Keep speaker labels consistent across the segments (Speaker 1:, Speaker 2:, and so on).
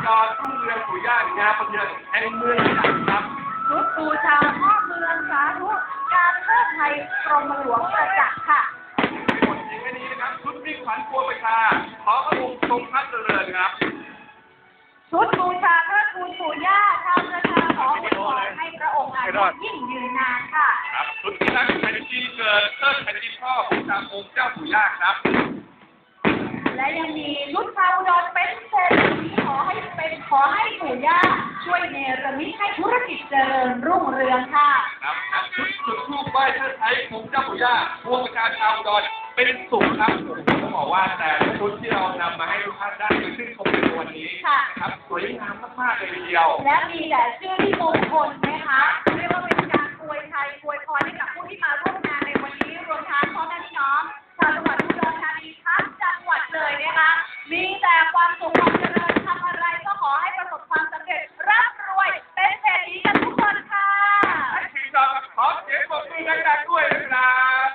Speaker 1: ดรรุ่งเรืองปู่ย่างามประเทืองแห่งเมืองใหญ่ครับ
Speaker 2: ชุดบูชาพ่อเมืองสาธุการเทิดไทยกรมหลวงประจักษ์ค่ะ
Speaker 1: บทเพลงนี้นะครับชุดมิ่งขวัญครัวประชาขอพระองค์ทรงพระเจริญครับ
Speaker 2: ชุดบูชาเทิดทูนปู่ย่าชาวประชาขออวยพรให้พระองค์อายุยิ่งยืนนานค่ะ
Speaker 1: ครับชุดที่รักแผ่นดินเกิดเทิดแผ่นดินพ่อบูชาองค์เจ้าปู่ย่าครับ
Speaker 2: และยังมีชุดชาวอุดรเป็นเศรษฐีขอให้ปู่ย่าช่วยเนรมิตให้ธุรกิจเจริญรุ่งเรืองค่ะ
Speaker 1: ครับชุดจุดธูปไหว้เทิดไทยองค์เจ้าปู่ย่าพวงประชาชาวอุดรเป็นสุขครับผมต้องบอกว่าแต่ชุดที่เรานำมาให้ทุกท่านได้คือชื่นชมในวันนี้นะครับสวยงามมากๆเลยทีเดียว
Speaker 2: และมีแต่ชื่อที่มงคลนะคะเรียกว่าเป็นการอวยชัยอวยพรให้กับผู้ที่มาร่วมงานในวันนี้รวมทั้งพ่อแม่พี่น้องชาวจังหวัดอุดรธานีทั้งจังหวัดเลยนะคะมีแต่ความสุขความเจริญทำอะไรก็ขอให้ประสบความสำเร็จร่ำรวยเป็นเศรษฐีกันทุกคนค่ะ
Speaker 1: ให้ทีมเราขอเสียงปรบมือดังๆด้วยนะครับ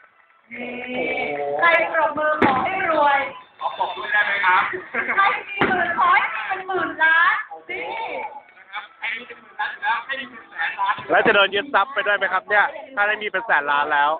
Speaker 2: ใครปรบมือขอให้รวย
Speaker 1: ขอปรบมือได้ไหมครับ
Speaker 2: ใครมีหมื่นขอให้เป็นหมื่นล้านสิ
Speaker 1: นะครับให้มีเป็นหมื่นล้านแล้วให้มีเป็นแสนล้าน
Speaker 3: แล้วจะโดนยึดทรัพย์ไปด้วยไหมครับเนี่ยถ้าได้มีเป็นแสนล้านแล้ว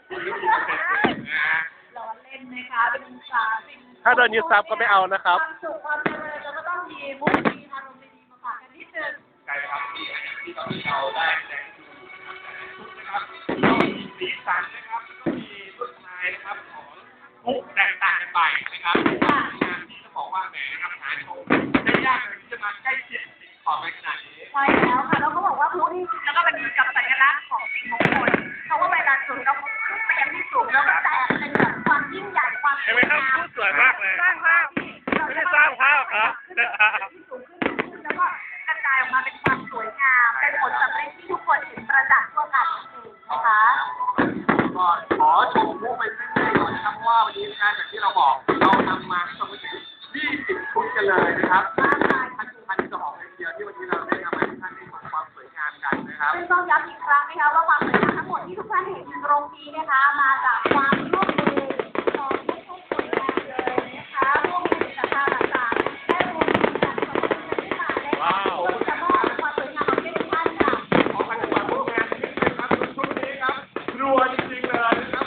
Speaker 2: ล้อเล่นนะคะเป็น
Speaker 3: ถ้าโดนยึดทรัพย์ก็ไม่เอานะครับ
Speaker 2: ความสุขความเจริญแล้วก็ต้องมีมุกมีอารมณ์ดีมาฝากกันนิดนึง
Speaker 1: ใช่ครับที่ตอนนี้เราได้แสดงชุดนะครับต้องมีสีสันนะครับต้องมีลวดลายนะครับของมุกแตกต่างกันไปนะครับงานที่ต้องบอกว่าแหมนะครับหาชมได้ยากเลยที่จะมาใกล้เคียงสิ่งของในขนาดนี้
Speaker 2: ใช่แล้วค่ะแล้วเขาบอกว่าพลุนี่แล้วก็เป็นกับสัญลักษณ์ของสิ่งมงคลเพราะว่าเวลาจุดเราขึ้นไปยังที่สูงแล้วก็แตกเป็นแบบความยิ่งใหญ่ความ
Speaker 3: เห็นไหมครับพูดสวยมากเลย
Speaker 2: สร้างภาพ
Speaker 3: ไม่ได้สร้างภาพครับ
Speaker 2: ที่สูงขึ้นแล้วก็กระจายออกมาเป็นความสวยงามเป็นผลสำเร็จที่ทุกคนเห็นประจักษ์ทั่วกันนะคะ
Speaker 1: ก็ขอชมมุกไปสักหน่อยนะครับเพราะว่าวันนี้งานจากที่เราบอกเรานำมาสมมติ20 ชุดกันเลยนะครับท่านจะบอกเลยทีเดียวที่วันนี้เราได้นำมาให้ท่านได้เห็นความสวยงามกันนะครับ
Speaker 2: ซึ่งต้องย้ำอีกครั้งนะคะว่าความสวยงามทั้งหมดที่ทุกท่านเห็นตรงนี้นะคะมาจากความร่วมมือของทุกคนงานเลยนะคะร่วมมือกับทางต่างๆและรวมถึงการสนับสนุนที่มาในการจะมอบความสวยงามให้ทุกท่านค่ะ
Speaker 1: ขอการจัดการงานนี้นะครับชุดนี้ครับรัวจริงๆเลยนะครับ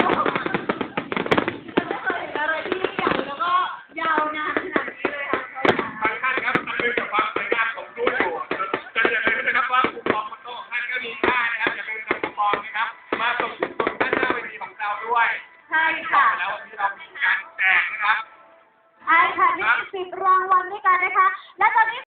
Speaker 2: ไม่เคยเห็นอะไรที่ใหญ่แล้วก็ยาวนานขนาดนี้เลยค่ะ
Speaker 1: บางท่านครับมันเป็นกับความสวยงามของรูปอยู่จะอย่าลืมนะครับว่าคูปองมันโต้ท่านก็มีค่านะครับอย่าลืมนำคูปองนะครับมาส่งถึงตรงด้านหน้าเวทีของเราด้วย
Speaker 2: ใช่ค่ะ
Speaker 1: แล้ววันนี้เรามีการแจกนะครับ
Speaker 2: ใช่ค่ะนี่10 รางวัลด้วยกันนะคะและตอนนี้